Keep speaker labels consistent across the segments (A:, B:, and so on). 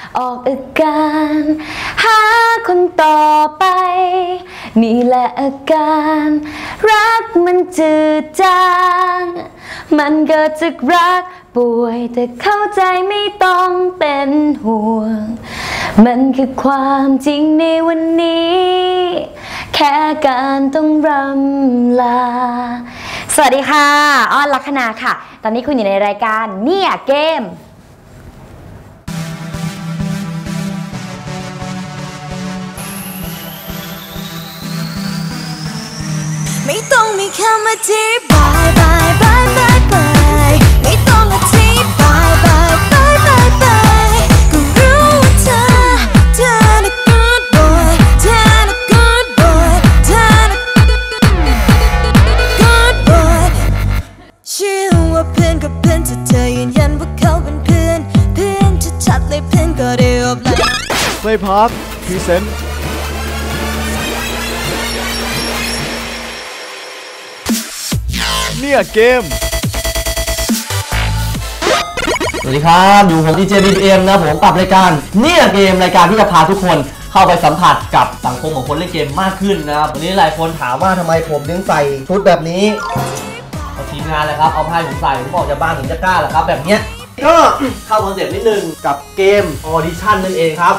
A: ออกอาการหาคนต่อไปนี่แหละอาการรักมันจืดจางมันเกิดจากรักป่วยแต่เข้าใจไม่ต้องเป็นห่วงมันคือความจริงในวันนี้แค่การต้องรำลาสวัสดีค่ะอ้อนลัคนาค่ะตอนนี้คุณอยู่ในรายการเนี่ยเกม
B: ไม่ต้องมีคำอธิบายบายบายบายบายไม่ต้องอธิบายบายบายบายบายก็รู้ว่าเธอน่ะ good boy เธอน่ะ good boy เธอน่ะ good boy เชื่อว่าเพื่อนก็เพื่อนถ้าเธอยืนยันว่าเขาเป็นเพื่อนชัดๆเลยเพื่อนก็ได้ออกแล้ว
C: เพลย์พาร์คพรีเซนต์เนี่ยเกม
D: สวัสดีครับอยู่ผมดีเจบีเอ็มนะผมกับรายการเนี่ยเกมรายการที่จะพาทุกคนเข้าไปสัมผัสกับสังคมของคนเล่นเกมมากขึ้นนะครับวันนี้หลายคนถามว่าทำไมผมถึงใส่ชุดแบบนี้เอาทีมงานเลยครับเอาผ้าผมใส่ผมบอกจะบ้านถึงจะกล้าแหละครับแบบเนี้ยก็เข้าคอนเซ็ปต์นิดนึงกับเกมออดิชั่นนั่นเองครับ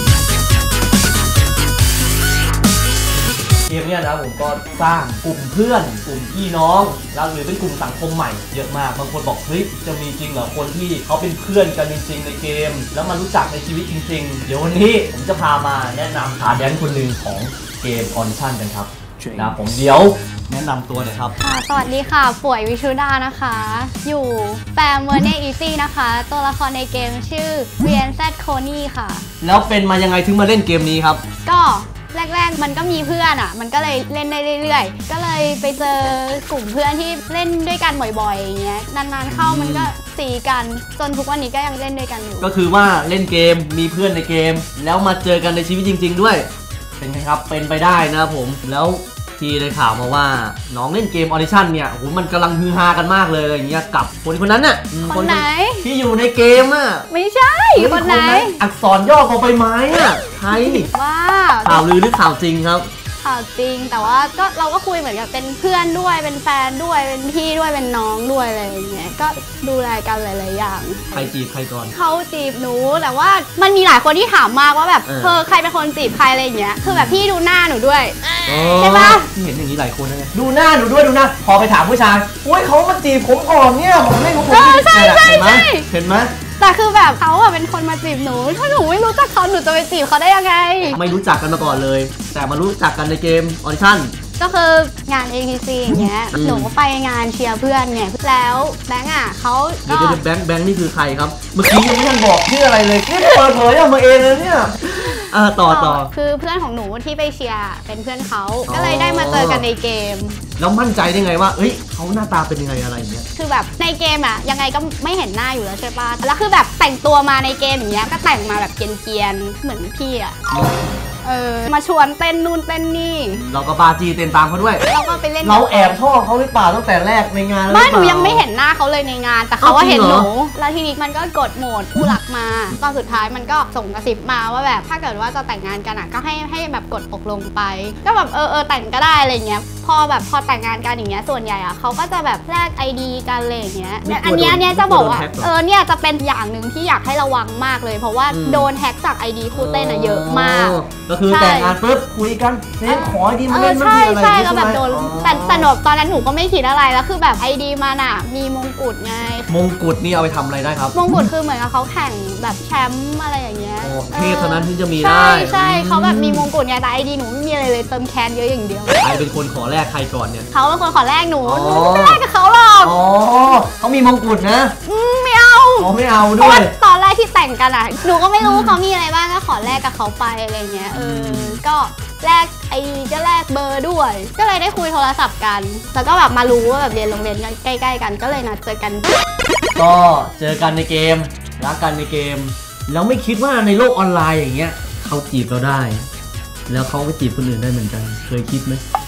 D: เกมเนี้ยนะผมก็สร้างกลุ่มเพื่อนกลุ่มพี่น้องแล้วหรือเป็นกลุ่มสังคมใหม่เยอะมากบางคนบอกเฮ้ยจะมีจริงเหรอคนที่เขาเป็นเพื่อนกันจริงๆในเกมแล้วมารู้จักในชีวิตจริงๆเดี๋ยววันนี้ผมจะพามาแนะนำขาแดนคนหนึ่งของเกมออดิชั่นกันครับนะผมเดี๋ยวแนะนำตัวหน่อยครับ
E: สวัสดีค่ะป่วยวิชุดานะคะอยู่แฟมเวอร์เนอีซี่นะคะตัวละครในเกมชื่อเวียนแซดโคนี่ค่ะ
D: แล้วเป็นมายังไงถึงมาเล่นเกมนี้ครับ
E: ก็แรกๆมันก็มีเพื่อนอ่ะมันก็เลยเล่นได้เรื่อยๆก็เลยไปเจอกลุ่มเพื่อนที่เล่นด้วยกันบ่อยๆอย่างเงี้ยนานๆเข้ามันก็ตีกันจนทุกวันนี้ก็ยังเล่นด้วยกันอยู่
D: ก็คือว่าเล่นเกมมีเพื่อนในเกมแล้วมาเจอกันในชีวิตจริงๆด้วยเป็นไงครับเป็นไปได้นะผมแล้วที่ได้ข่าวมาว่าน้องเล่นเกมออดิชั่นเนี่ยโอ้โหมันกำลังฮือฮากันมากเลยอย่างเงี้ยกับคนนั้นน่ะ
E: คนไหน
D: ที่อยู่ในเกมอ่ะ
E: ไม่ใช่คนไหน
D: อักษรย่อของใบไม้อ่ะใคร
E: ว่า
D: ข่าวลือหรือข่าวจริงครับ
E: ข่าวจริงแต่ว่าก็เราก็คุยเหมือนกับเป็นเพื่อนด้วยเป็นแฟนด้วยเป็นพี่ด้วยเป็นน้องด้วยอะไรอย่างเงี้ยก็ดูแลกันหลายๆอย่าง
D: ใครจีบใครก่อน
E: เขาจีบหนูแต่ว่ามันมีหลายคนที่ถามมากว่าแบบใครเป็นคนจีบใครอะไรอย่างเงี้ยคือแบบพี่ดูหน้าหนูด้วยใช่ปะ
D: ที่เห็นอย่างนี้หลายคนนะดูหน้าหนูด้วยดูหน้าพอไปถามผู้ชายโอ้ยเขามาจีบผมก่อนเนี่ยผมไม่รู้ผม
E: ใช่ใช่ใช่
D: เห็นไหม
E: แต่คือแบบเขาอะเป็นคนมาจีบหนูถ้าหนูไม่รู้จักเขาหนูจะไปจีบเขาได้ยังไง
D: ไม่รู้จักกันมาก่อนเลยแต่มารู้จักกันในเกมออดิชั่น
E: ก็คืองาน ATC อย่างเงี้ยหนูก็ไปงานเชียร์เพื่อนไงแล้วแบงค์อ่ะเขา
D: ก็แบงค์นี่คือใครครับเมื่อกี้ยังไม่ทันบอกชื่ออะไรเลยนี่เปิดเผยออกมาเองเลยเนี่ยต่อ
E: คือเพื่อนของหนูที่ไปเชียร์เป็นเพื่อนเขาก็เลยได้มาเจอกันในเกม
D: แล้วมั่นใจได้ไงว่าเฮ้ยเขาหน้าตาเป็นยังไงอะไรอย่างเงี้ย
E: คือแบบในเกมอะยังไงก็ไม่เห็นหน้าอยู่แล้วใช่ปะแล้วคือแบบแต่งตัวมาในเกมอย่างเงี้ยก็แต่งมาแบบเกรียนๆเหมือนพี่อะมาชวนเต้นนู่นเต้นนี่
D: เราก็ปาจีเต้นตามเขาด้วย
E: เราก็ไปเล่น
D: เราแอบชอบเขาหรือเปล่าตั้งแต่แรกในงาน
E: ไม่หนูยังไม่เห็นหน้าเขาเลยในงานแต่เขาว่าเห็นหนูแล้วทีนี้มันก็กดโหมดผู้หลักมาตอนสุดท้ายมันก็ส่งกระซิบมาว่าแบบถ้าเกิดว่าจะแต่งงานกันอะก็ให้แบบกดตกลงไปก็แบบแต่งก็ได้อะไรเงี้ยพอแต่งงานกันอย่างเงี้ยส่วนใหญ่อะเขาก็จะแบบแลก ID กันอะไรอย่างเงี้ยอันเนี้ยจะบอกว่าเนี่ยจะเป็นอย่างหนึ่งที่อยากให้ระวังมากเลยเพราะว่าโดนแฮ็กจาก ID คู่เต้นอะเยอะมาก
D: ก็คือแต่งงานปุ๊บคุยกันขอ ID มาเล่น
E: ไม่มีอะไรใช่ก็แบบโดนแต่หนูตอนนั้นหนูก็ไม่คิดอะไรแล้วคือแบบ ID มันอะมีมงกุฎไง
D: มงกุฎนี่เอาไปทำอะไรได้ครับ
E: มงกุฎคือเหมือนกับเขาแข่งแบบแชมป์อะไรอย่างเงี้ย
D: เทพเท่านั้นที่จะมีได้
E: ใช่เขาแบบมีมงกุฎไงแต่ ID หนูไม่มีอะไรเลยเติมแคนเยอะอย่างเดียว
D: ใครเป็นคนขอแรกใครก่อนเนี่ย
E: เขาเป็นคนขอแรกหนูไม่แรกกับเขาหรอก
D: เขามีมงกุฎนะ
E: ไม่เอา
D: ไม่เอาด้วย
E: ตอนแรกที่แต่งกันอ่ะหนูก็ไม่รู้เขามีอะไรบ้างก็ขอแรกกับเขาไปอะไรเงี้ยก็แลกIDก็แลกเบอร์ด้วยก็เลยได้คุยโทรศัพท์กันแล้วก็แบบมารู้ว่าแบบเรียนโรงเรียนกันใกล้ๆกันก็เลยนัดเจอกัน
D: ก็เจอกันในเกมรักกันในเกมแล้วไม่คิดว่าในโลกออนไลน์อย่างเงี้ยเขาจีบเราได้แล้วเขาก็จีบคนอื่นได้เหมือนกันเคยคิดไหม
E: ไม่เค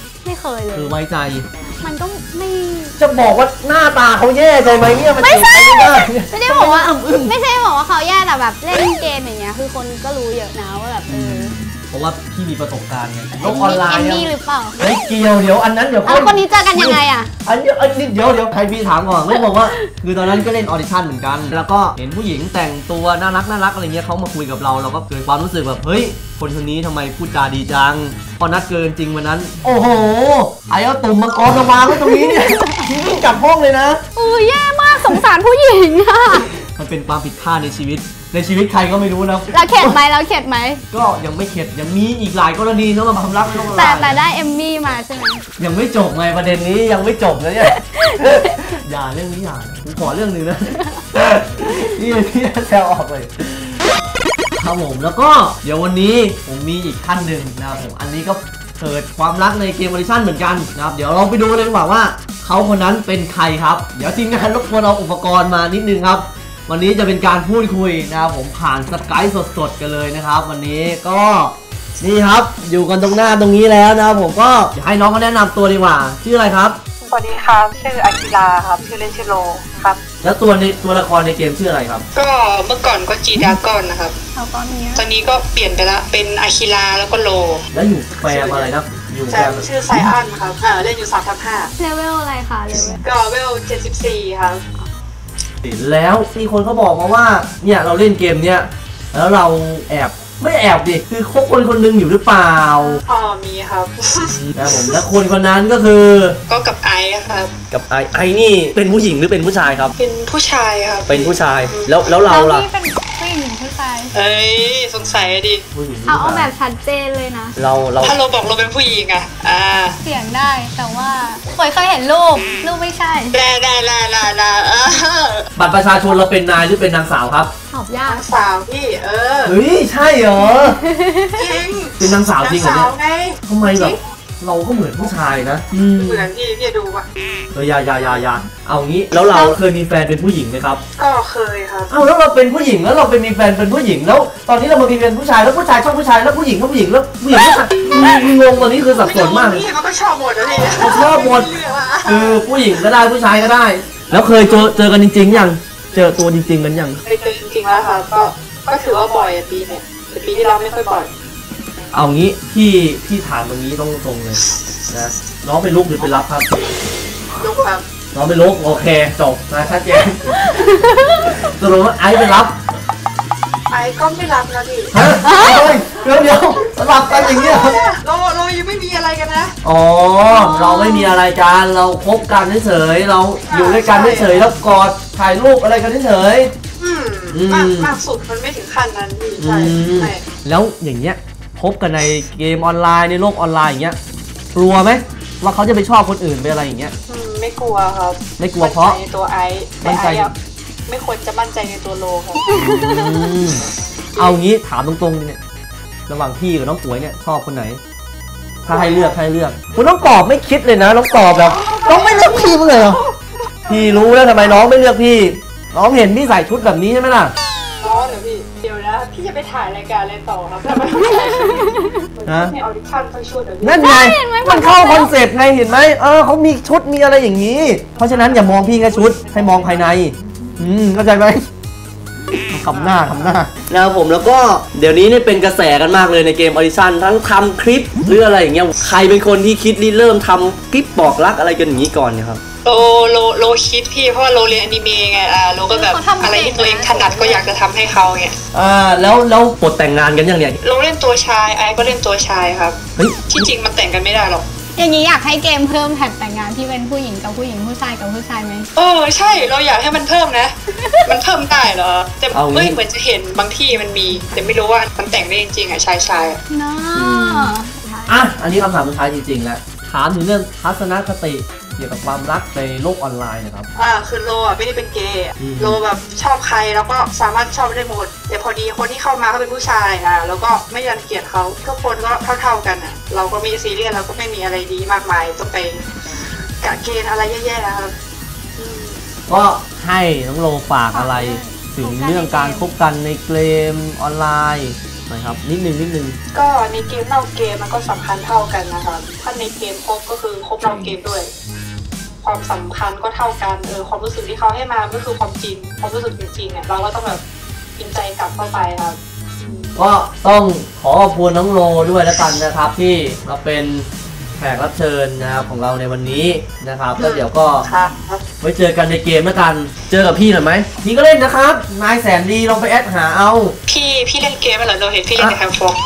E: เคยเลย
D: คือไว้ใจ
E: มันก็ไม่
D: จะบอกว่าหน้าตาเขาแย่ใจไหมเนี่ยมัน
E: ไม่ใช่
D: ไม่ได้
E: ไม่ได้บอกว่าไม่ใช่บอกว่าเขาแย่แต่แบบเล่นเกมอย่างเงี้ยคือคนก็รู้เยอะนะว่าแบบ
D: เพราะว่าพี่มีประสบการณ์ไงโลกออนไลน์
E: เอมมี่หรือเปล่า
D: ไม่เกี่ยวเดี๋ยวอันนั้นเดี๋ยว
E: เอาคนนี้เจอกันยังไงอ่ะ
D: อันนี้เดี๋ยวใครพี่ถามก่อนไม่บอกว่าคือตอนนั้นก็เล่นออดิชั่นเหมือนกัน แล้วก็เห็นผู้หญิงแต่งตัวน่ารักอะไรเงี้ยเขามาคุยกับเราก็เกิดความรู้สึกแบบเฮ้ยคนคนนี้ทำไมพูดจาดีจังพอนัดเกินจริงวันนั้นโอ้โหไอ้เอาตุ่มมังกรมาวางไว้ตรงนี้เนี่ยวิ่งกลับห้องเลยนะ
E: แย่มากสงสารผู้หญิงอ่ะ
D: มันเป็นความผิดพลาดในชีวิตใครก็ไม่รู้นะ
E: เราเข็ดไหม
D: ก็ยังไม่เข็ดยังมีอีกหลายกรณีนะมาความรักไม่ต้องอะไร
E: แต่ได้เอมมี่มาใช่ไหม
D: ยังไม่จบไงประเด็นนี้ยังไม่จบนะเนี่ยอย่าเรื่องนี้อย่าผมขอเรื่องนึงนะนี่พี่แซวออกเลยครับผมแล้วก็เดี๋ยววันนี้ผมมีอีกท่านหนึ่งนะครับผมอันนี้ก็เกิดความรักในเกมออดิชั่นเหมือนกันนะครับเดี๋ยวเราไปดูเลยดีกว่าเขาคนนั้นเป็นใครครับเดี๋ยวทีมงานรบกวนเอาอุปกรณ์มานิดนึงครับวันนี้จะเป็นการพูดคุยนะครับผมผ่านสกายสดๆกันเลยนะครับวันนี้ก็นี่ครับอยู่กันตรงหน้าตรงนี้แล้วนะครับผมก็อยากให้น้องเขาแนะนำตัวดีกว่าชื่ออะไรครับ
F: สวัสดีครับชื่ออากิราครับชื่อเล่นชื่อโลครับ
D: แล้วตัวละครในเกมชื่ออะไรครับ
F: ก็เมื่อก่อนก็จีดากอนนะครับตอนนี้ก็เปลี่ยนไปละเป็นอากิราแล้วก็โล
D: แล้วอยู่แฟมอะไรนะอยู่
F: แฟมชื่อไซอันครับเล่นอยู่3/5
E: เลเวลอะไรคะเลเวล
F: ก็เลเวล74ครับ
D: แล้วมีคนเขาบอกมาว่าเนี่ยเราเล่นเกมเนี้ยแล้วเราไม่แอบดิคือคบคนหนึงอยู่หรือเปล่า
F: มีครับ
D: นะผมแล้วคนนั้นก็คือ
F: ก็กับไอครับ
D: กับไอนี่เป็นผู้หญิงหรือเป็นผู้ชายครับ
F: เป็นผู้ชายครับ
D: เป็นผู้ชายแล้วเราล่ะ
E: เป็นผู้หญิงผู้ชาย
F: สงสัยดิ
E: เอาแบบชัดเจนเลยนะ
D: เรา
F: ถ้าเราบอกเราเป็นผู้หญิงอะ
E: เสียงได้แต่ว่าเคยเห็นรูปไม่ใช่
F: ได้
D: บัตรประชาชนเราเป็นนายหรือเป็นนางสาวครับ
E: ตอบยาก
F: สาวพี่
D: เฮ้ยใช่เหรอ
F: จริง
D: เป็นนางสาวจริงเหรอเนี่ยทำไมแบบเราก็เหมือนผู้ชายนะ
F: เหมือนพี่ดูป่ะ
D: อย่าเอางี้แล้วเราเคยมีแฟนเป็นผู้หญิงไหมครับ
F: ก็เคยครับ
D: แล้วเราเป็นผู้หญิงแล้วเราไปมีแฟนเป็นผู้หญิงแล้วตอนนี้เรามามีแฟนผู้ชายแล้วผู้ชายชอบผู้ชายแล้วผู้หญิงก็ผู้หญิงแล้วผู้หญิงก็งงตอนนี้คือสับสนมาก
F: พี่เขาก็ชอบหมดเลย
D: ชอบหมดผู้หญิงก็ได้ผู้ชายก็ได้แล้วเคยเจอกันจริงๆยังเจอตัวจริงๆกันยัง
F: เคยเจอจริงๆแล้วค่ะก็ถือว่าบ่อยปีเนี่ยแต่ปีที่เราไม่ค่อยบ่อย
D: เอางี้พี่ถามตรงนี้ต้องตรงเลยนะน้องเป็นลูกหรือเป็นรับครับ
F: ลูกครับ
D: น้องเป็นลูกโอเคจบนะชัดเจนสรุปว่าไอเป็นรับ
F: ไอก็ไม่รับนะพี่
D: เดี๋ยวสลับกันอย่างเงี้ย
F: เรายังไม่มีอะไรกันนะ
D: อ๋อเราไม่มีอะไรกันเราคบกันเฉยเราอยู่ด้วยกันเฉยแล้วกอดถ่ายรูปอะไรกันเฉย
F: มากสุดมันไม่ถึงขั้นนั้นพี่ใช่
D: แล้วอย่างเงี้ยพบกันในเกมออนไลน์ในโลกออนไลน์อย่างเงี้ยกลัวไหมว่าเขาจะไปชอบคนอื่นไปอะไรอย่างเงี้ย
F: ไม่กลัวครับ
D: ไม่กลัวเพราะ
F: ในตัวไอไม่ควรจะมั่นใจในตัวโลครับ
D: เอางี้ถามตรงๆเนี่ยระหว่างพี่กับน้องป๋วยเนี่ยชอบคนไหนถ้าให้เลือกคุณน้องตอบไม่คิดเลยนะน้องตอบแบบน้องไม่เลือกพี่เลยเหรอพี่รู้แล้วทำไมน้องไม่เลือกพี่น้องเห็นพี่ใส่ชุดแบบนี้ใช่ไหมล่ะ
F: เหรอพี่เดี๋ยวนะพี่จะไปถ่ายรายการอะไรต่อครับทำไมให้ออดิชั่นทั้งชุด
D: นั่นไงมันเข้าคอนเซ็ปต์ไงเห็นไหมเขามีชุดมีอะไรอย่างนี้เพราะฉะนั้นอย่ามองพี่แค่ชุดให้มองภายในเข้าใจไหมทำหน้านะครับผมแล้วก็เดี๋ยวนี้เนี่ยเป็นกระแสกันมากเลยในเกมออดิชั่นทั้งทำคลิปหรืออะไรอย่างเงี้ยใครเป็นคนที่คิดเริ่มทำคลิปบอกรักอะไรกันอย่างนี้ก่อนเนี่ยครับ
F: โลคิดพี่เพราะว่าโลเรียนอนิเมะไงโลก็แบบอะไรที่ตัวเองถนัดก็อยากจะทำให้เขาไง
D: แล้วบทแต่งงานกันยังเนี่ย
F: โลเล่นตัวชายไอก็เล่นตัวชายครับที่จริงมันแต่งกันไม่ได้หรอก
E: อย่างนี้อยากให้เกมเพิ่มแท็กแต่งงานที่เป็นผู้หญิงกับผู้หญิงผู้ชายกับผู้ชายไหม
F: ใช่เราอยากให้มันเพิ่มนะมันเพิ่มได้เหรอแต่เหมือนจะเห็นบางที่มันมีแต่ไม่รู้ว่ามันแต่งได้จริงๆชาย
E: เนา
D: ะอันนี้คำถามสุดท้ายจริงๆแล้วถามถึงเรื่องทัศนคติเกี่ยวกับความรักในโลกออนไลน์นะครับ
F: คือโลไม่ได้เป็นเกย์โลแบบชอบใครแล้วก็สามารถชอบได้หมดแต่พอดีคนที่เข้ามาเขาเป็นผู้ชายแล้วก็ไม่รังเกียจเขาทุกคนก็เท่าๆกันเราก็มีซีเรียสเราก็ไม่มีอะไรดีมากมายต้องไปกะเกณฑ์อะไรแย่ๆนะครับ
D: ก็ให้น้องโลฝากอะไรถึงเรื่องการพบกันในเกมออนไลน์นะครับนิดนึง
F: ก็ในเกมนอกเกมมันก็สำคัญเท่ากันนะคะถ้าในเกมครบก็คือครบนอกเกมด้วยความสำคัญก็เท่ากันความรู้สึกที่เขาให้มาก็คือความจริงความรู้สึกจริงๆเนี่ยเราก็ต้องแบบจริงใจกลับเข้าไปครับ
D: ก็ต้องขอขอบคุณน้องโลด้วยแล้วกันนะครับที่มาเป็นแขกรับเชิญนะครับของเราในวันนี้นะครับแล้วเดี๋ยวก็ไว้เจอกันในเกมแล้วกันเจอกับพี่หน่อยไหมพี่ก็เล่นนะครับนายแสนดีลองไปแอดหาเอา
F: พี่เล่นเกมเหรอเราเห็นพี่เล่นในแคมฟอง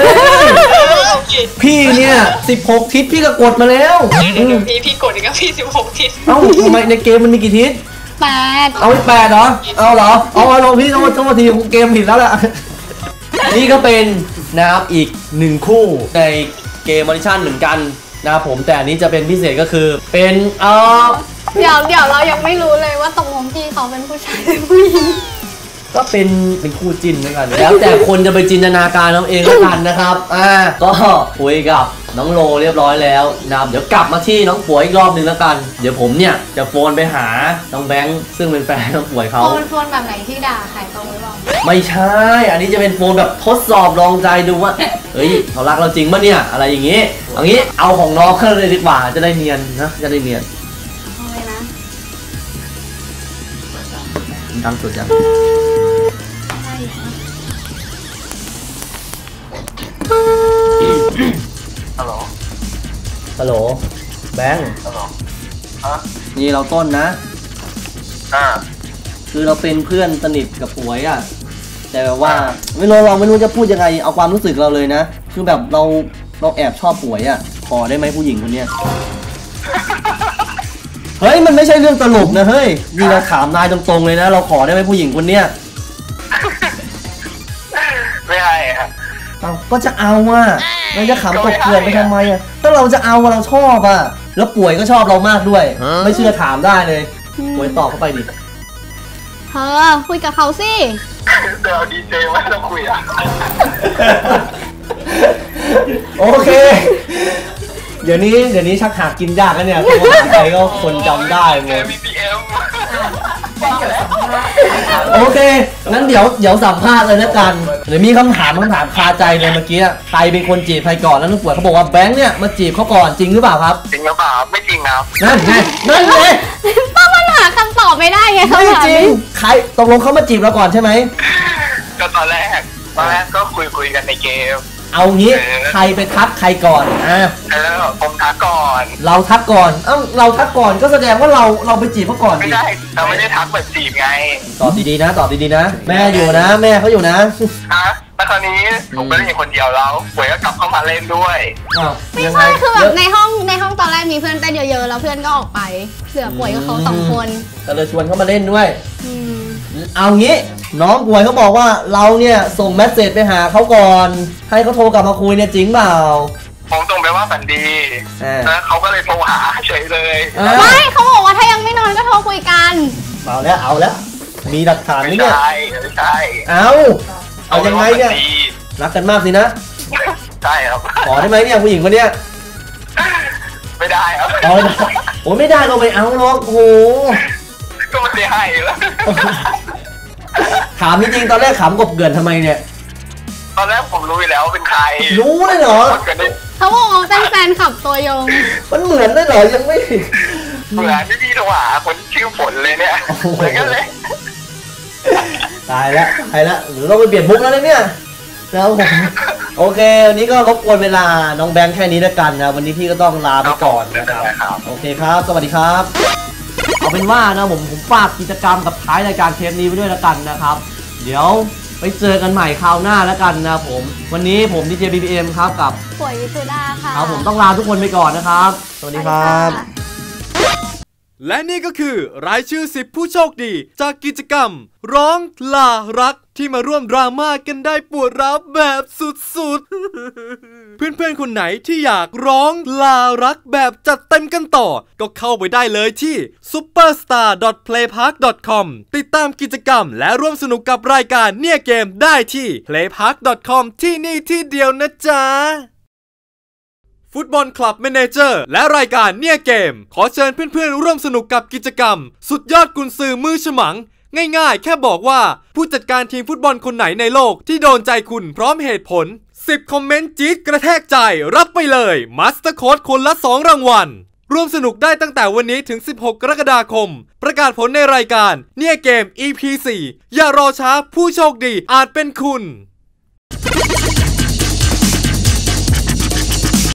D: พี่เนี่ย16ทิศพี่ก็กดมาแล้ว
F: พี่กดอีกแล้วพี่16ทิศ
D: เอ้าทำไมในเกมมันมีกี่ทิศ
E: 8
D: เอา8เหรอเอาเหรอเอาลงพี่ต้องมาทีเกมผิดแล้วแหละนี่ก็เป็นนะครับอีก1คู่ในเกมออดิชั่นเหมือนกันนะครับผมแต่อันนี้จะเป็นพิเศษก็คือเป็น
E: เดี๋ยวเรายังไม่รู้เลยว่าตกลงพี่เขาเป็นผู้ชายหรือผู้หญิง
D: ก็เป็นคู่จิ้นแล้วกันแล้วแต่คนจะไปจินตนาการเอาเองแล้วกันนะครับก็คุยกับน้องโลเรียบร้อยแล้วนะครับเดี๋ยวกลับมาที่น้องป่วยอีกรอบนึงแล้วกันเดี๋ยวผมเนี่ยจะโฟนไปหาน้องแบงค์ซึ่งเป็นแฟนน้องป่วยเขา
E: โฟนแบบไหนที่ด่าใครตรงหรือเปล่า
D: ไม่ใช่อันนี้จะเป็นโฟนแบบทดสอบลองใจดูว่าเฮ้ยเขารักเราจริงปะเนี่ยอะไรอย่างงี้เอาของน้องเข้าเลยดีกว่าจะได้เนียนนะจะได้เนียน
E: เอาเลยนะ
D: ดังสุดยังฮัลโหลแบงค์ฮัลโหลนี่เราต้นนะคือเราเป็นเพื่อนสนิทกับป่วยอ่ะแต่แบบว่าเราไม่รู้จะพูดยังไงเอาความรู้สึกเราเลยนะคือแบบเราแอบชอบป่วยอ่ะขอได้ไหมผู้หญิงคนเนี้ยเฮ้ยมันไม่ใช่เรื่องตลกนะเฮ้ยนี่เราถามนายตรงๆเลยนะเราขอได้ไหมผู้หญิงคนเนี้ย
G: ไม่ให้ครับ
D: ก็จะเอาอ่ะเราจะขำกบเกลื่อนไปทำไมอ่ะถ้าเราจะเอาเราชอบอ่ะแล้วป่วยก็ชอบเรามากด้วยไม่เชื่อถามได้เลยป่วยตอบเข้าไปดิ
E: คุยกับเขาสิ
G: เดี๋ยวดีเจว่าเราคุยอ่ะ
D: โอเคเดี๋ยวนี้ชักหากินยากแล้วเนี่ยเพราะว่าใครก็คนจำได้หมดโอเคงั้นเดี๋ยวสัมภาษณ์เลยนะกันเดี๋ยวมีคำถามคาใจเลยเมื่อกี้ใครเป็นคนจีบใครก่อนแล้วน้องป่วยเขาบอกว่าแบงค์เนี่ยมาจีบเขาก่อนจริงหรือเปล่าครับ
G: จริงหรือเปล่าไม่จริงครับ
D: นั่นไง
E: ป้าปัญหาคำตอบไม่ได้ไง
D: ไม่จริงใครตกลงเขามาจีบเราก่อนใช่ไหม
G: ก็ตอนแรกก็คุยกันในเกม
D: เอางี้ใครไปทักใครก่อน
G: ผมทักก่อน
D: เราทักก่อนเราทักก่อนก็แสดงว่าเราไปจีบเขาก่อน
G: ไม่ได้เราไม่ได้ทักแบบจีบไง
D: ตอบดีๆนะแม่อยู่นะแม่เขาอยู่นะ
G: แล้วคราวนี้ผมก็เล่นอยู่คนเดียวแล้วป่วยก็กลับเข้ามาเล่นด้วย
E: ไม่ใช่คือแบบในห้องตอนแรกมีเพื่อนเต้นเยอะๆแล้วเพื่อนก็ออกไปเหลือป่วยกับเขา2 คน
D: ก็เลยชวนเขามาเล่นด้วยเอางี้น้องป่วยเขาบอกว่าเราเนี่ยส่งเมสเสจไปหาเขาก่อนให้เขาโทรกลับมาคุยเนี่ยจริงเปล่า
G: ผมส่งไปว่าฝันดีนะเขาก็เลยโทรหาเฉยเลย
E: ไม่เขาบอกว่าถ้ายังไม่นอนก็โทรคุยกัน
D: เอาแล้วมีหลักฐานไหมเนี่ย
G: ไม่ใช่
D: เอายังไงเนี่ยรักกันมากสินะ
G: ใช่ครับ
D: ขอได้ไหมเนี่ยผู้หญิงคนเนี้ย
G: ไม่ได้ครับ
D: โอ้ไม่ได้เราไปเอาหรอกโอ้
G: ก็ไม่ได้ให้แล้ว
D: ถามจริงๆตอนแรกขำกบเกลื่อนทำไมเนี่ย
G: ตอนแรกผมรู้อยู่แล้วเป็นใคร
D: รู้เลยเหรอ
E: เขาบอกว่าเป็นแฟนขับตัวยง
D: มันเหมือนได้เหรอยังไม่
G: เหมือนที่พี่โทรหาคนชื่อฝนเลยเนี่ยเหมือนกันเลย
D: ตายแล้วหรือเราไปเปลี่ยนมุกแล้วเนี่ยแล้วโอเควันนี้ก็รบกวนเวลาน้องแบงค์แค่นี้แล้วกันนะวันนี้พี่ก็ต้องลาไปก่อนนะครับโอเคครับสวัสดีครับเอาเป็นว่านะผมฝากกิจกรรมกับท้ายรายการเทปนี้ไปด้วยแล้วกันนะครับเดี๋ยวไปเจอกันใหม่คราวหน้าแล้วกันนะผมวันนี้ผมดีเจ BBM ครับกับ
E: ป่วยวิสุดาค่ะ
D: ครับผมต้องลาทุกคนไปก่อนนะครับสวัสดีครับ
C: และนี่ก็คือรายชื่อ10ผู้โชคดีจากกิจกรรมร้องลารักที่มาร่วมดราม่ากันได้ปวดร้าวแบบสุดๆ เพื่อนๆคนไหนที่อยากร้องลารักแบบจัดเต็มกันต่อก็เข้าไปได้เลยที่ superstar.playpark.com ติดตามกิจกรรมและร่วมสนุกกับรายการเนี่ยเกมได้ที่ playpark.com ที่นี่ที่เดียวนะจ๊ะฟุตบอลคลับแมเนเจอร์และรายการเนี่ยเกมขอเชิญเพื่อนๆร่วมสนุกกับกิจกรรมสุดยอดกุนซือมือฉมังง่ายๆแค่บอกว่าผู้จัดการทีมฟุตบอลคนไหนในโลกที่โดนใจคุณพร้อมเหตุผล10 คอมเมนต์จี๊ดกระแทกใจรับไปเลยมาสเตอร์โค้ดคนละ2 รางวัลร่วมสนุกได้ตั้งแต่วันนี้ถึง16 กรกฎาคมประกาศผลในรายการเนี่ยเกม EP 4อย่ารอช้าผู้โชคดีอาจเป็นคุณ